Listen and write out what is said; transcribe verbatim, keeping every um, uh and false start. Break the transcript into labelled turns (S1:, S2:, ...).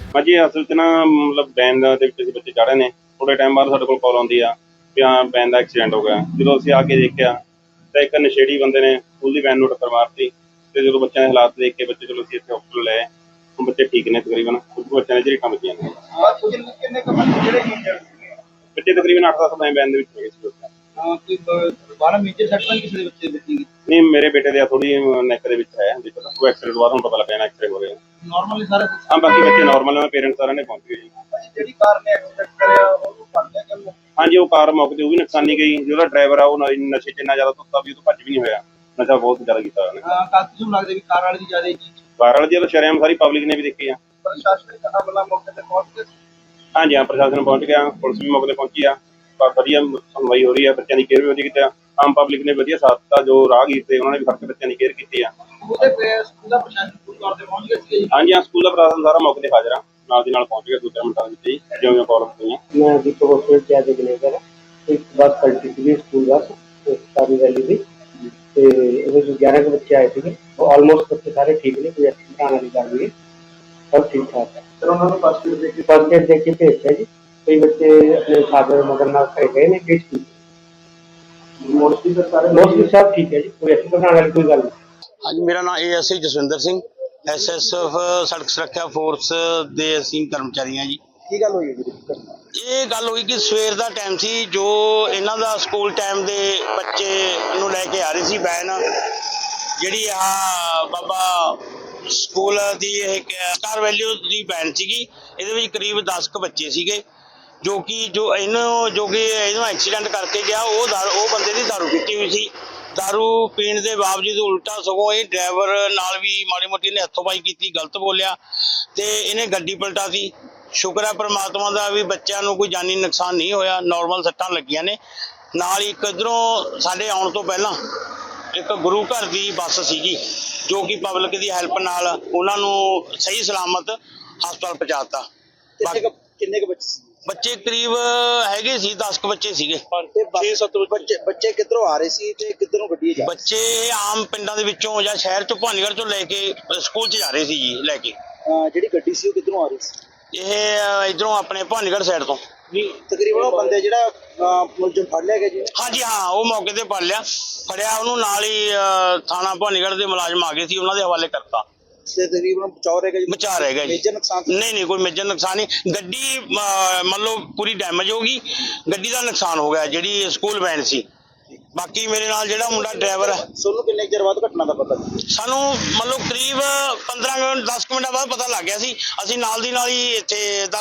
S1: हाँ जी, असल च ना मतलब वैन दे विच बच्चे चढ़ रहे ने, थोड़े टाइम बाद साडे कोल कॉल आउंदी आ भी हाँ वैन दा एक्सीडेंट हो गया। जदों असीं आ के देखिआ तां इक नशेड़ी बंदे ने स्कूल दी वैन नूं टक्कर मारती ते जदों बच्चों दे हालात देख के बच्चे चलो असीं इत्थे हॉस्पिटल ले आए। हुण बच्चे ठीक ने तकरीबन, कुछ बच्चों दी झरीटां वजीआं ने।
S2: किन्ने किन्ने क बच्चे ਜਿਹੜੇ ਇੰਜਰਡ ਸੀਗੇ?
S1: बच्चे तकरीबन अठ दस मैं वैन दे विच हैगे सी उस टाइम।
S2: ਹਾਂ ਕੋਈ ਬਾਹਲਾ ਮੇਜਰ ਸੱਟ ਤਾਂ ਕਿਸੇ ਦੇ ਬੱਚੇ ਦੇ ਬੱਚੇ ਦੀ?
S1: नहीं मेरे बेटे दे थोड़ी नैक दे विच है दिक्कत, वो एक्सीडेंट बाद हुण पता लग्या ना एक्सरे हो रहे हैं।
S2: ਨਾਰਮਲੀ ਸਾਰਾ ਕੁਝ?
S1: हाँ बाकी बच्चे नॉर्मल है, पेरेंट्स सारे ने पहुंच गए जी।
S2: ਜਿਹੜੀ ਕਾਰ ਨੇ ਐਕਸੀਡੈਂਟ ਕਰਿਆ ਉਹਨੂੰ ਫੜ ਲਿਆ ਕਿ?
S1: हाँ जी, वो कार मौके ते वो भी नुकसानी गई, जो ड्राइवर आ वो नशे च इन्ना ज्यादा धुत्ता भी भज भी नहीं होया, नशा बहुत ज्यादा कीता उन्हें।
S2: ਕਾਕੀ ਨੂੰ ਲੱਗਦਾ ਵੀ ਕਾਰ ਵਾਲੇ ਦੀ ਜ਼ਿਆਦਾ ਜੀ?
S1: कार वाले दी तो शरेआम सारी पब्लिक ने भी देखी है।
S2: ਪ੍ਰਸ਼ਾਸਨਿਕ ਅਮਲਾ ਮੌਕੇ ਤੇ पहुंच गए?
S1: हाँ जी हाँ, प्रशासन पहुंच गया, पुलिस भी मौके ते पहुंची आ, वधिया सुनवाई हो रही है, बच्चों की केयर भी वधिया कीती, आम पब्लिक ने वधिया साथ दिता, जो राहगीर थे उन्होंने भी फड़ के बच्चों की केयर की आ।
S2: ਉਹਦੇ ਤੇ ਸਕੂਲ ਦਾ ਪ੍ਰਸ਼ਾਸਨ ਪੂਰੀ ਤੌਰ ਤੇ ਪਹੁੰਚ ਗਿਆ ਸੀ?
S1: हाँ जी हाँ, स्कूल का प्रशासन सारा मौके ते हाजिर आ, नाल दी नाल पहुंच गया दो चार मिनटां दे विच ही, जिवें प्रॉब्लम हुई।
S3: मैं दीपक हॉस्पिटल से आज मैनेजर है। एक बस पलटी थी स्कूल बस सारी वैली थी, तो ग्यारह के बच्चे आए थे, ऑलमोस्ट बच्चे सारे ठीक ने, कोई एक्सीडेंट आने वाली गल नहीं, सब ठीक ठाक है।
S2: ਫਿਰ ਉਹਨਾਂ ਨੂੰ ਫਸਟ ਏਡ ਦੇ ਕੇ
S3: फर्स्ट एड देख के भेजा जी, कई बच्चे अपने फादर मदर नाल खड़े गए ने, केस ठीक
S2: ਮੋਸਟਲੀ ਫਿਰ ਸਾਰੇ
S3: मोस्टली सब ठीक है जी, कोई एक्सीडेंट आने वाली कोई गल नहीं।
S4: हाँ जी, मेरा नाम A S I Jasvinder Singh, S S F सड़क सुरक्षा फोर्स ਦੇ ਅਸੀਂ ਕਰਮਚਾਰੀ ਹਾਂ ਜੀ।
S2: ਕੀ ਗੱਲ ਹੋਈ ਜੀ?
S4: ਇਹ ਗੱਲ ਹੋਈ ਕਿ ਸਵੇਰ ਦਾ ਟਾਈਮ ਸੀ, ਜੋ ਇਹਨਾਂ ਦਾ ਸਕੂਲ ਟਾਈਮ ਦੇ ਬੱਚੇ ਨੂੰ ਲੈ ਕੇ ਆ ਰਹੀ ਸੀ ਵੈਨ, ਜਿਹੜੀ ਆ ਬਾਬਾ ਸਕੂਲ ਦੀ ਇਹ ਸਟਾਰ ਵੈਲਿਊ ਦੀ ਵੈਨ ਸੀਗੀ। ਇਹਦੇ ਵਿੱਚ ਕਰੀਬ ਦਸ ਕੁ ਬੱਚੇ ਸੀਗੇ, ਜੋ ਕਿ ਜੋ ਇਹਨੂੰ ਜੋ ਕਿ ਇਹਨੂੰ ਐਕਸੀਡੈਂਟ ਕਰਕੇ ਗਿਆ, ਉਹ ਦਾਰੂ ਉਹ ਬੰਦੇ ਦੀ ਦਾਰੂ ਪੀਤੀ ਹੋਈ ਸੀ। दारू पीण के बावजूद उल्टा सगों ये ड्राइवर नाल भी माड़ी मोटी ने हथों पाई की, गलत बोलिया तो इन्हें गड्डी पलटा दी। शुक्र है परमात्मा का भी बच्चों को कोई जानी नुकसान नहीं होया, नॉर्मल सट्टां लगियां ने। नाल ही इधरों साडे आउण तो पहला एक गुरु घर की बस सीगी, जो कि पब्लिक की हैल्प नाल उन्हां नूं सही सलामत हस्पताल पहुंचाता।
S2: किन्ने क बच्चे?
S4: बच्चे करीब हैगे सी दस क बच्चे सीगे।
S2: छे सत्त बच्चे बच्चे किधरों आ रहे सी ते किधरों गड्डी जा?
S4: बच्चे आम पिंडां दे विचों जां शहर चों भानीगढ़ चों लैके स्कूल च जा रहे सी जी लैके।
S2: ਜਿਹੜੀ ਗੱਡੀ ਸੀ ਉਹ ਕਿਧਰੋਂ ਆ ਰਹੀ ਸੀ?
S4: ਇਹ इधरों अपने भानीगढ़ साइड तो।
S2: ਨਹੀਂ ਤਕਰੀਬਨ ਉਹ ਬੰਦੇ ਜਿਹੜਾ ਮੁਲਜ਼ਮ ਫੜ ਲਿਆ ਗਿਆ ਜੀ?
S4: हाँ जी हाँ, वो मौके ते फड़ लिया, फड़िया ਉਹਨੂੰ ਨਾਲ ही थाना भानीगढ़ ਦੇ ਮੁਲਾਜ਼ਮ आ गए सी, ਉਹਨਾਂ ਦੇ ਹਵਾਲੇ ਕਰਤਾ।
S2: ਤੇ ਤਕਰੀਬਨ ਬਚਾਅ ਰਹੇਗਾ ਜੀ?
S4: बचा रहेगा जी।
S2: ਮੇਜਰ ਨੁਕਸਾਨ?
S4: नहीं नहीं, कोई मेजर नुकसान नहीं, गड्डी मतलब पूरी डैमेज होगी, गड्डी का नुकसान हो गया ਜਿਹੜੀ स्कूल वैन सी। बाकी मेरे नाल ਜਿਹੜਾ ਮੁੰਡਾ ड्राइवर है,
S2: ਸੋਨੂੰ ਕਿੰਨੇ ਚਿਰ ਬਾਅਦ ਘਟਨਾ ਦਾ ਪਤਾ?
S4: ਸਾਨੂੰ ਮਤਲਬ ਕਰੀਬ ਪੰਦਰਾਂ ਮਿੰਟ ਦਸ ਕੁ ਮਿੰਟਾਂ ਬਾਅਦ ਪਤਾ ਲੱਗ ਗਿਆ ਸੀ। ਅਸੀਂ ਨਾਲ ਦੀ ਨਾਲ ਹੀ ਇੱਥੇ